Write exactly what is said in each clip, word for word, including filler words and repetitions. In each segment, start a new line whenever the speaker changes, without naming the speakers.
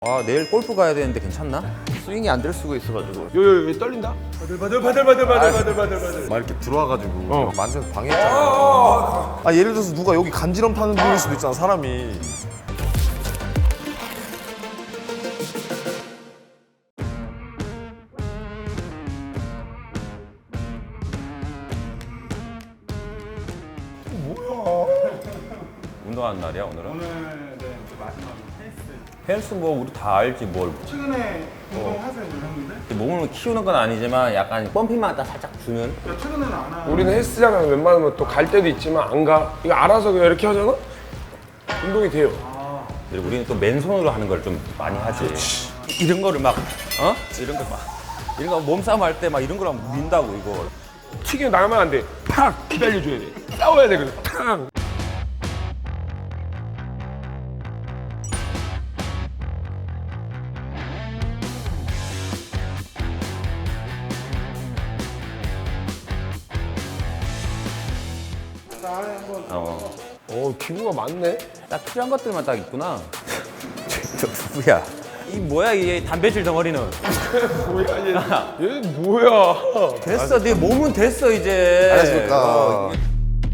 아 내일 골프 가야 되는데 괜찮나? 스윙이 안 될 수가 있어가지고.
요요 왜 떨린다?
바들 바들 바들 바들 바들 바들 바들
막 이렇게 들어와가지고
어.
만져서 방해했잖아. 아 예를 들어서 누가 여기 간지럼 타는 분일 수도 있잖아 사람이.
운동하는 날이야 오늘은?
오늘 네 마지막 헬스
헬스 뭐 우리 다 알지 뭘.
최근에 운동하세요 형님들?
몸을 키우는 건 아니지만 약간 펌핑만 딱 살짝 주는.
그러니까 최근에는 안 하고
우리는 헬스장은 웬만하면 또 갈 때도 있지만 안 가. 이거 알아서 그냥 이렇게 하잖아? 운동이 돼요.
그리고 우리는 또 맨손으로 하는 걸 좀 많이 하지. 이런 거를 막 어? 이런 거 막 이런 거 몸싸움 할 때 막 이런 거랑 민다고 이거.
튀겨 나가면 안 돼. 팍! 기다려줘야 돼. 싸워야 돼, 그래서. 팍!
나에 한번
어.
어, 기구가 많네.
딱 필요한 것들만 딱 있구나. 저 누구야? 이 뭐야 이 단백질 덩어리는?
뭐야, 얘. 얘 뭐야.
됐어, 네 몸은 됐어 이제.
안녕하십니까.
어,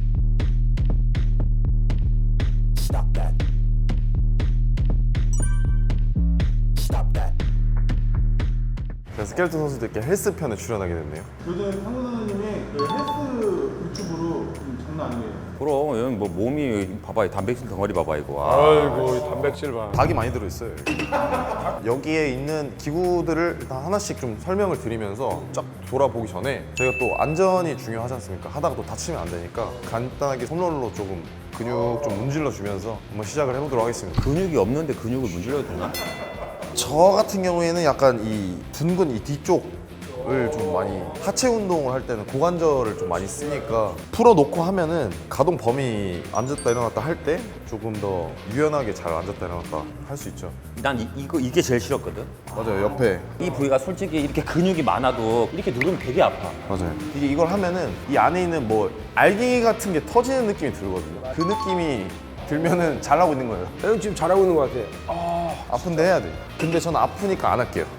그래서 스켈레톤 선수들께 헬스 편에 출연하게 됐네요.
요즘 상무 선생님이 그 헬스 유튜브로 좀 장난 아니에요.
그럼 여기 뭐 몸이 봐봐 이 단백질 덩어리 봐봐 이거. 아.
아이고, 이 단백질 봐.
닭이 많이 들어있어요. 여기. 여기에 있는 기구들을 일단 하나씩 좀 설명을 드리면서 쫙 돌아보기 전에 저희가 또 안전이 중요하지 않습니까? 하다가 또 다치면 안 되니까 간단하게 솜롤로 조금 근육 좀 문질러 주면서 한번 시작을 해보도록 하겠습니다.
근육이 없는데 근육을 문질러도 되나?
저 같은 경우에는 약간 이 둔근 이 뒤쪽을 좀 많이 하체 운동을 할 때는 고관절을 좀 많이 쓰니까 풀어놓고 하면은 가동 범위 앉았다 일어났다 할 때 조금 더 유연하게 잘 앉았다 일어났다 할 수 있죠.
난 이, 이거 이게 제일 싫었거든.
맞아요. 옆에
이 부위가 솔직히 이렇게 근육이 많아도 이렇게 누르면 되게 아파.
맞아요. 이게 이걸 하면은 이 안에 있는 뭐 알갱이 같은 게 터지는 느낌이 들거든요. 그 느낌이 들면은 잘하고 있는 거예요.
형 지금 잘하고 있는 것 같아.
아픈데 해야 돼. 근데 저는 아프니까 안 할게요.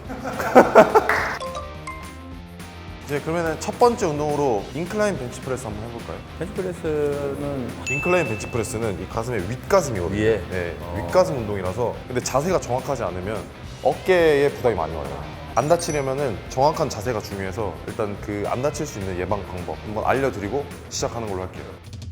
이제 그러면은 첫 번째 운동으로 인클라인 벤치프레스 한번 해볼까요?
벤치프레스는
인클라인 벤치프레스는 이 가슴의 윗가슴이거든요.
위에?
네, 윗가슴 운동이라서. 근데 자세가 정확하지 않으면 어깨에 부담이 많이 와요. 안 다치려면은 정확한 자세가 중요해서 일단 그 안 다칠 수 있는 예방 방법 한번 알려드리고 시작하는 걸로 할게요.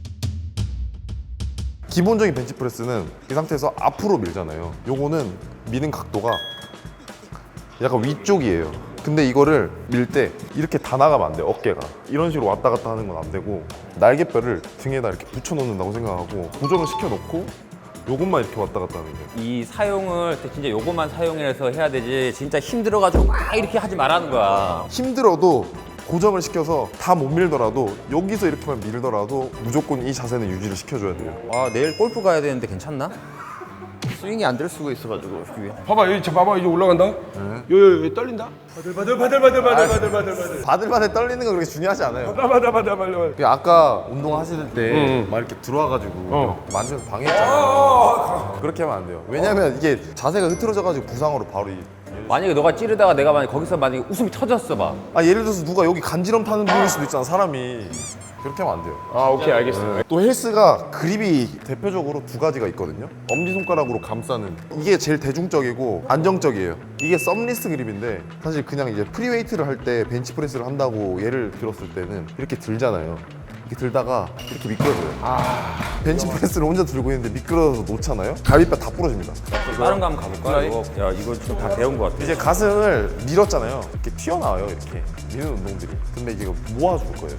기본적인 벤치프레스는 이 상태에서 앞으로 밀잖아요. 요거는 미는 각도가 약간 위쪽이에요. 근데 이거를 밀 때 이렇게 다 나가면 안 돼요, 어깨가. 이런 식으로 왔다 갔다 하는 건 안 되고 날개뼈를 등에다 이렇게 붙여 놓는다고 생각하고 고정을 시켜 놓고 요것만 이렇게 왔다 갔다 하는 거예요.
이 사용을 진짜 요것만 사용해서 해야 되지 진짜 힘들어가지고 막 이렇게 하지 말라는 거야.
힘들어도 고정을 시켜서 다 못 밀더라도 여기서 이렇게만 밀더라도 무조건 이 자세는 유지를 시켜줘야 돼요.
아 내일 골프 가야 되는데 괜찮나? 스윙이 안 될 수가 있어가지고 위에.
봐봐, 여기, 저 봐봐, 이제 올라간다? 요요 왜 떨린다?
바들 바들 바들 바들 바들 바들 바들 바들
바들바들 떨리는 건 그렇게 중요하지 않아요.
봐봐, 봐봐, 봐봐, 봐봐.
그 아까 운동하실 때 막
응.
이렇게 들어와가지고
어.
만져서 방해했잖아요. 그렇게 하면 안 돼요. 왜냐면 이게 자세가 흐트러져가지고 부상으로 바로 이...
만약에 너가 찌르다가 내가 만약 거기서 만약에 웃음이 터졌어 봐.
아 예를 들어서 누가 여기 간지럼 타는 분일 수도 있잖아 사람이. 그렇게 하면 안 돼요.
아, 오케이, 알겠어.
또 헬스가 그립이 대표적으로 두 가지가 있거든요. 엄지손가락으로 감싸는 이게 제일 대중적이고 안정적이에요. 이게 썸리스 그립인데 사실 그냥 이제 프리웨이트를 할 때 벤치프레스를 한다고 예를 들었을 때는 이렇게 들잖아요. 이렇게 들다가 이렇게 미끄러져요. 벤치프레스를 혼자 들고 있는데 미끄러져서 놓잖아요. 갈비뼈 다 부러집니다.
다른 거 한번 가볼까? 이거 야 이거 지금 다 배운 거 같아.
이제 가슴을 밀었잖아요. 이렇게 튀어나와요. 이렇게 미는 운동들이. 근데 이게 모아줄 거예요.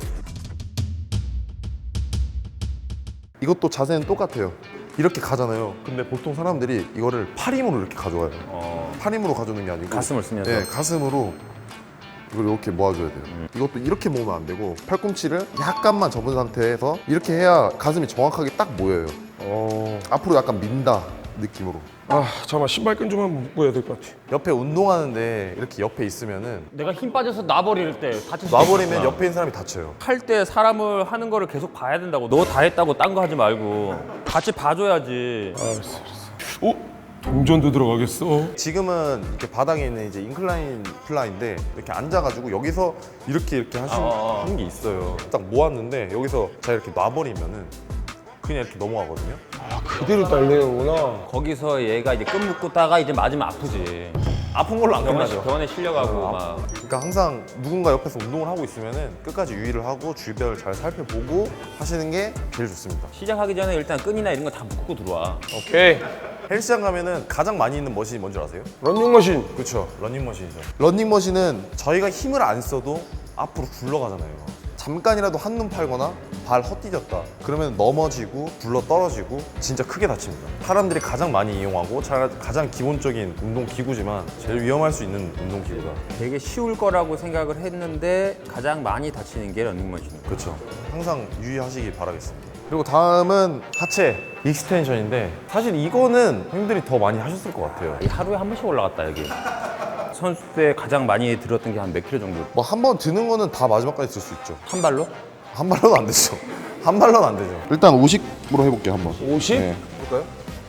이것도 자세는 똑같아요. 이렇게 가잖아요. 근데 보통 사람들이 이거를 팔 힘으로 이렇게 가져와요.
어.
팔 힘으로 가져오는 게 아니고
가슴을 쓰면서?
네, 가슴으로 이걸 이렇게 모아줘야 돼요.
음.
이것도 이렇게 모으면 안 되고 팔꿈치를 약간만 접은 상태에서 이렇게 해야 가슴이 정확하게 딱 모여요.
어.
앞으로 약간 민다 느낌으로.
아, 잠깐만, 신발끈 좀 한번 묶어야 될 것 같아.
옆에 운동하는데 이렇게 옆에 있으면은
내가 힘 빠져서 놔버릴 때 다칠 수
놔버리면
있구나.
옆에 있는 사람이 다쳐요.
할 때 사람을 하는 거를 계속 봐야 된다고. 너 다 했다고 딴 거 하지 말고 같이 봐줘야지.
아, 알았어, 알았어. 오? 동전도 들어가겠어.
지금은 이렇게 바닥에 있는 이제 인클라인 플라인데 이렇게 앉아가지고 여기서 이렇게 이렇게 하시는
어, 어.
하는 게 있어요. 딱 모았는데 여기서 제가 이렇게 놔버리면은 그냥 이렇게 넘어가거든요.
그대로 달리는구나.
거기서 얘가 이제 끈 묶다가 이제 맞으면 아프지.
아픈 걸로 안
병원에,
끝나죠.
병원에 실려가고
어,
막.
그러니까 항상 누군가 옆에서 운동을 하고 있으면은 끝까지 유의를 하고 주변을 잘 살펴보고 하시는 게 제일 좋습니다.
시작하기 전에 일단 끈이나 이런 거 다 묶고 들어와.
오케이.
헬스장 가면은 가장 많이 있는 머신이 뭔지 아세요?
런닝머신.
그렇죠. 러닝머신이죠. 러닝머신은 저희가 힘을 안 써도 앞으로 굴러가잖아요. 잠깐이라도 한눈 팔거나 발 헛디뎠다. 그러면 넘어지고 굴러 떨어지고 진짜 크게 다칩니다. 사람들이 가장 많이 이용하고 자- 가장 기본적인 운동 기구지만 제일 위험할 수 있는 운동 기구다.
되게 쉬울 거라고 생각을 했는데 가장 많이 다치는 게 러닝머신이에요.
그렇죠. 항상 유의하시기 바라겠습니다. 그리고 다음은 하체 익스텐션인데 사실 이거는 형들이 더 많이 하셨을 것 같아요.
이 하루에 한 번씩 올라갔다 여기. 선수 때 가장 많이 들었던 게 한 몇 킬로 정도?
뭐 한 번 드는 거는 다 마지막까지 들 수 있죠.
한 발로?
한 발로는 안 되죠. 한 발로는 안 되죠. 일단 오십으로 해볼게요 한번.
오십?
네.
볼까요?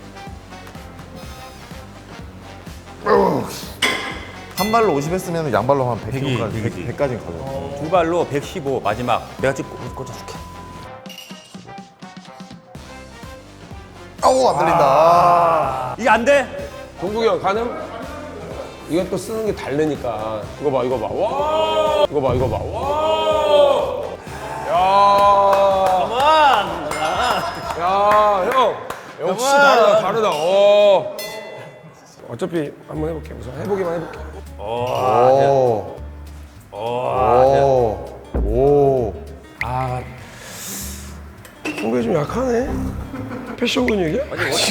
한 발로 오십 했으면 양발로 한 백
백이,
킬로까지
백이지.
백까지는 가죠.
두 발로 백십오 마지막 내가 찍고 꽂아줄게.
아우 안 들린다.
이게 안 돼?
동국이 형 가능? 이건 또 쓰는 게 다르니까. 이거 봐, 이거 봐. 와! 이거 봐, 이거 봐. 와! 야! 야, 형. 역시 다르다, 다르다. 어. 어차피 한번 해볼게. 우선 해보기만 해볼게.
오. 오. 오.
아, 동국이 좀 약하네. 패션 근육이야?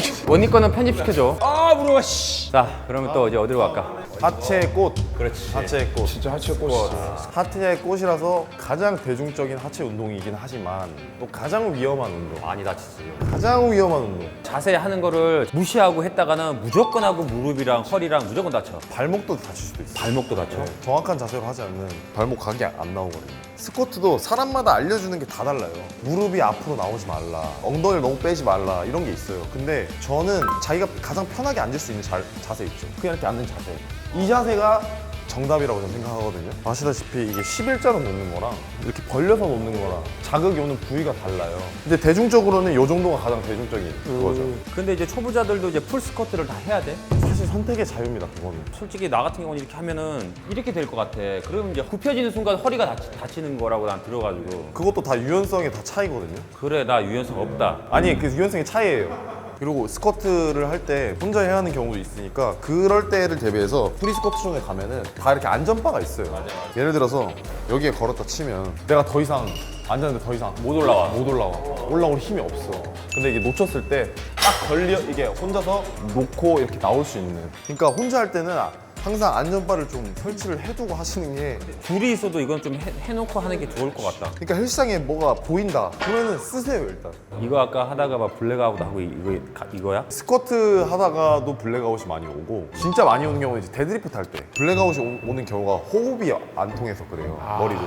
원니 거는 편집시켜줘.
아, 물어봐, 씨.
자, 그러면 또 이제 어디로 갈까?
하체의 꽃.
그렇지.
하체의 꽃.
진짜 하체 꽃이지.
하체의 꽃이라서 가장 대중적인 하체 운동이긴 하지만 또 가장 위험한 운동.
많이 다치지.
가장 위험한 운동.
자세 하는 거를 무시하고 했다가는 무조건 하고 무릎이랑 허리랑 무조건 다쳐.
발목도 다칠 수도 있어요.
발목도 다쳐.
정확한 자세로 하지 않으면 발목 각이 안 나오거든요. 스쿼트도 사람마다 알려주는 게 다 달라요. 무릎이 앞으로 나오지 말라, 엉덩이를 너무 빼지 말라 이런 게 있어요. 근데 저는 자기가 가장 편하게 앉을 수 있는 자, 자세 있죠. 그냥 이렇게 앉는 자세. 이 자세가 정답이라고 저는 생각하거든요. 아시다시피 이게 십일자로 놓는 거랑 이렇게 벌려서 놓는 거랑 자극이 오는 부위가 달라요. 근데 대중적으로는 이 정도가 가장 대중적인 그거죠.
근데 이제 초보자들도 이제 풀 스쿼트를 다 해야 돼.
사실 선택의 자유입니다, 그거는.
솔직히 나 같은 경우는 이렇게 하면은 이렇게 될 것 같아. 그러면 이제 굽혀지는 순간 허리가 다치, 다치는 거라고 난 들어가지고.
그것도 다 유연성의 다 차이거든요.
그래, 나 유연성 없다.
아니 그 유연성의 차이예요. 그리고 스쿼트를 할 때 혼자 해야 하는 경우도 있으니까 그럴 때를 대비해서 프리 스쿼트 존에 가면은 다 이렇게 안전바가 있어요. 예를 들어서 여기에 걸었다 치면 내가 더 이상 앉았는데 더 이상
못 올라와.
못 올라와. 올라올 힘이 없어. 근데 이게 놓쳤을 때 딱 걸려 이게 혼자서 놓고 이렇게 나올 수 있는. 그러니까 혼자 할 때는 항상 안전바를 좀 설치를 해두고 하시는 게.
둘이 있어도 이건 좀 해, 해놓고 하는 게 좋을 것 같다.
그러니까 헬스장에 뭐가 보인다. 그러면은 쓰세요 일단.
이거 아까 하다가 막 블랙아웃 하고 이거 가- 이거야?
스쿼트 하다가도 블랙아웃이 많이 오고 진짜 많이 오는 경우는 이제 데드리프트 할 때 블랙아웃이 오, 오는 경우가 호흡이 안 통해서 그래요. 머리로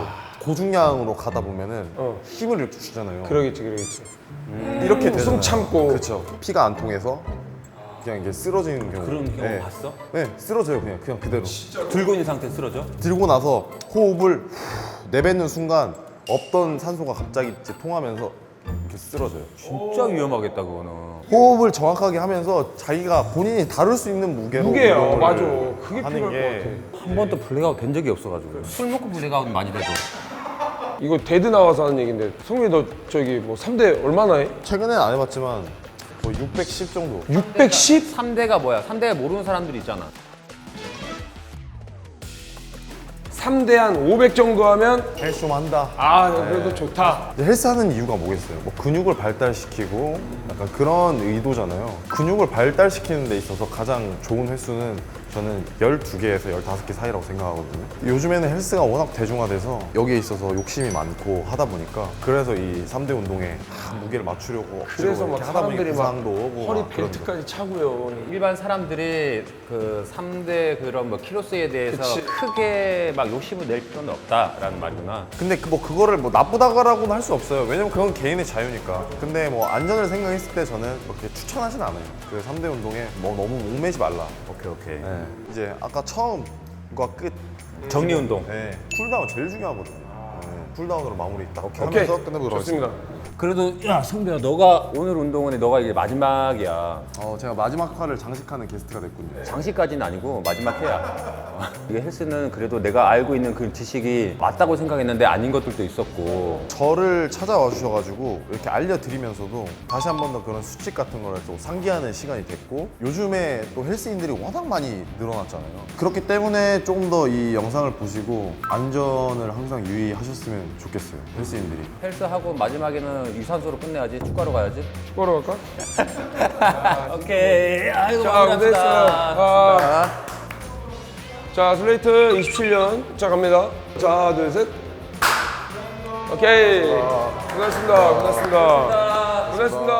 고중량으로 가다 보면은
어.
힘을 이렇게 주잖아요.
그러겠지, 그러겠지.
이렇게
숨
되잖아요.
참고.
그렇죠. 피가 안 통해서 그냥 이게 쓰러지는 경우.
그런 경우
네.
봤어?
네, 쓰러져요 그냥 그냥 그대로.
들고 있는 상태 쓰러져?
들고 나서 호흡을 후 내뱉는 순간 없던 산소가 갑자기 이제 통하면서 이렇게 쓰러져요.
진짜 위험하겠다 그거는.
호흡을 정확하게 하면서 자기가 본인이 다룰 수 있는 무게로
무게야,
운동을
맞아. 그게
하는
필요할
게
것
한 번도 블랙아웃 된 적이 없어가지고. 술 먹고 블랙아웃 많이 돼도.
이거 데드 나와서 하는 얘긴데 성민이 너 저기 뭐 삼 대 얼마나 해?
최근에는 안 해봤지만 뭐 육백십 정도.
육백십?
삼 대가 뭐야? 삼 대 모르는 사람들이 있잖아.
삼 대 한 오백 정도 하면
헬스 좀 한다.
아 그래도 좋다.
근데 헬스하는 이유가 뭐겠어요? 뭐 근육을 발달시키고 약간 그런 의도잖아요. 근육을 발달시키는 데 있어서 가장 좋은 횟수는 저는 열두 개에서 열다섯 개 사이라고 생각하거든요. 요즘에는 헬스가 워낙 대중화돼서 여기에 있어서 욕심이 많고 하다 보니까 그래서 이 삼 대 운동에 다 무게를 맞추려고
그래서 막
이렇게 하다 보니
사람들이 막
부상도 오고
허리
막 그런
벨트까지 차고요.
일반 사람들이 그 삼 대 그런 뭐 키로수에 대해서
그치.
크게 막 욕심을 낼 필요는 없다라는 말이구나.
근데 그 뭐 그거를 뭐 나쁘다고는 할 수 없어요. 왜냐면 그건 개인의 자유니까. 근데 뭐 안전을 생각했을 때 저는 그렇게 추천하진 않아요. 그 삼 대 운동에 뭐 너무 목매지 말라.
오케이 오케이.
네. 이제 아까 처음과 끝
정리 운동.
네. 쿨다운 제일 중요하거든요. 네. 쿨다운으로 마무리 딱
오케이.
하면서 끝내보도록 하겠습니다.
좋습니다.
그래도 야 성배야 너가 오늘 운동은 너가 이게 마지막이야.
어, 제가 마지막 화를 장식하는 게스트가 됐군요.
장식까지는 아니고 마지막 회야. 이게 헬스는 그래도 내가 알고 있는 그 지식이 맞다고 생각했는데 아닌 것들도 있었고.
저를 찾아와 주셔가지고 이렇게 알려드리면서도 다시 한 번 더 그런 수칙 같은 거를 또 상기하는 시간이 됐고 요즘에 또 헬스인들이 워낙 많이 늘어났잖아요. 그렇기 때문에 조금 더 이 영상을 보시고 안전을 항상 유의하셨으면 좋겠어요. 헬스인들이.
헬스하고 마지막에는 유산소로 끝내야지. 축구하러 가야지.
축구하러 갈까?
오케이. 아이고
자,
마무리합시다.
고생했어요. 아. 자, 슬레이트 이십칠 년. 자, 갑니다. 자, 둘, 셋. 오케이. 고생했습니다. 고생했습니다. 고생했습니다.